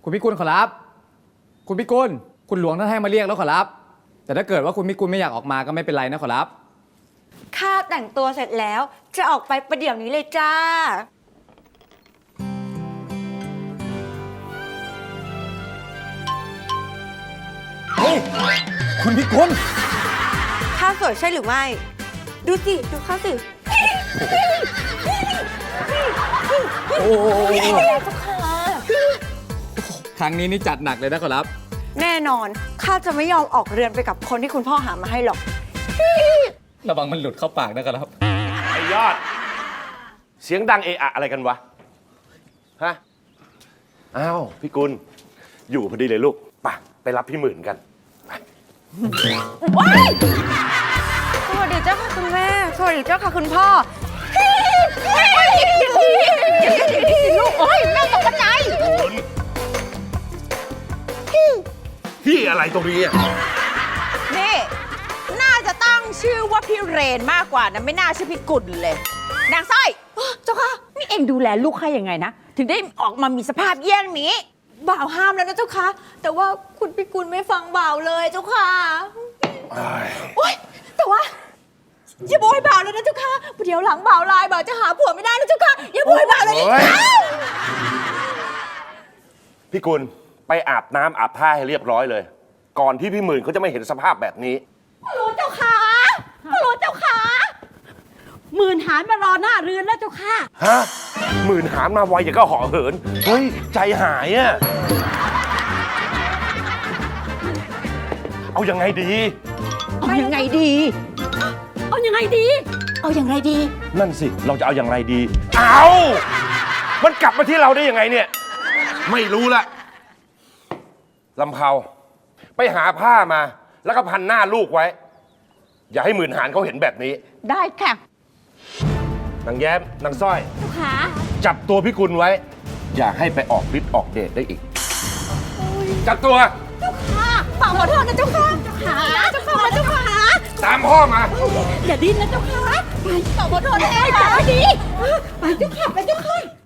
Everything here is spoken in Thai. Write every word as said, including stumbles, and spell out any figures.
คุณพิกุลขอรับคุณพิกุลคุณหลวงท่านให้มาเรียกแล้วขอรับแต่ถ้าเกิดว่าคุณพิกุลไม่อยากออกมาก็ไม่เป็นไรนะขอรับข้าแต่งตัวเสร็จแล้วจะออกไปประเดี๋ยวนี้เลยจ้าเฮ้ยคุณพิกุลข้าสวยใช่หรือไม่ดูสิดูข้าสิโอ้ครั้งนี้นี่จัดหนักเลยนะขอรับแน่นอนข้าจะไม่ยอมออกเรือนไปกับคนที่คุณพ่อหามาให้หรอกระวังมันหลุดเข้าปากนะครับไอ้ยอดเสียงดังเอะอะอะไรกันวะฮะอ้าวพี่กุลอยู่พอดีเลยลูกไปไปรับพี่หมื่นกันว้ายสวัสดีเจ้าค่ะคุณแม่สวัสดีเจ้าค่ะคุณพ่อลูกโอ้ยแม่ตกใจพี่อะไรตรงนี้อ่ะนี่น่าจะตั้งชื่อว่าพี่เรนมากกว่านะไม่น่าชื่อพี่กุลเลยนางสร้อยเจ้าค่ะนี่เองดูแลลูกให้ยังไงนะถึงได้ออกมามีสภาพเยี่ยงนี้บ่าวห้ามแล้วนะเจ้าค่ะแต่ว่าคุณพิกุลไม่ฟังบ่าวเลยเจ้าค่ะโอ๊ยแต่ว่าอย่าโบยบ่าวเลยนะเจ้าค่ะเดี๋ยวหลังบ่าวลายบ่าวจะหาผัวไม่ได้นะเจ้าค่ะอย่าโบยบ่าวเลยนะพี่กุลไปอาบน้ำอาบท่าให้เรียบร้อยเลยก่อนที่พี่หมื่นเขาจะไม่เห็นสภาพแบบนี้ฮัลโหลเจ้าค่ะฮัลโหลเจ้าค่ะหมื่นหารมารอหน้าเรือนแล้วเจ้าค่ะฮะหมื่นหารมาไวอย่างก็ห่อเหินเฮ้ยใจหายอ่ะเอายังไงดีเอายังไงดีเอายังไงดีเอายังไงดีนั่นสิเราจะเอาอย่างไรดีเอามันกลับมาที่เราได้ยังไงเนี่ยไม่รู้ละลำเพาไปหาผ้ามาแล้วก็พันหน้าลูกไว้อย่าให้หมื่นหารเขาเห็นแบบนี้ได้ค่ะนางแย้มนางสร้อยเจ้าค่ะจับตัวพี่กุลไว้อย่าให้ไปออกฤทธิ์ออกเดชได้อีกจับตัวเจ้าค่ะฝากขอโทษนะเจ้าค่ะเจ้าค่ะเจ้าค่ะเจ้าค่ะตามพ่อมาอย่าดิ้นนะเจ้าค่ะไปฝากขอโทษนะเจ้าค่ะดีไปเจ้าค่ะไปเจ้าค่ะ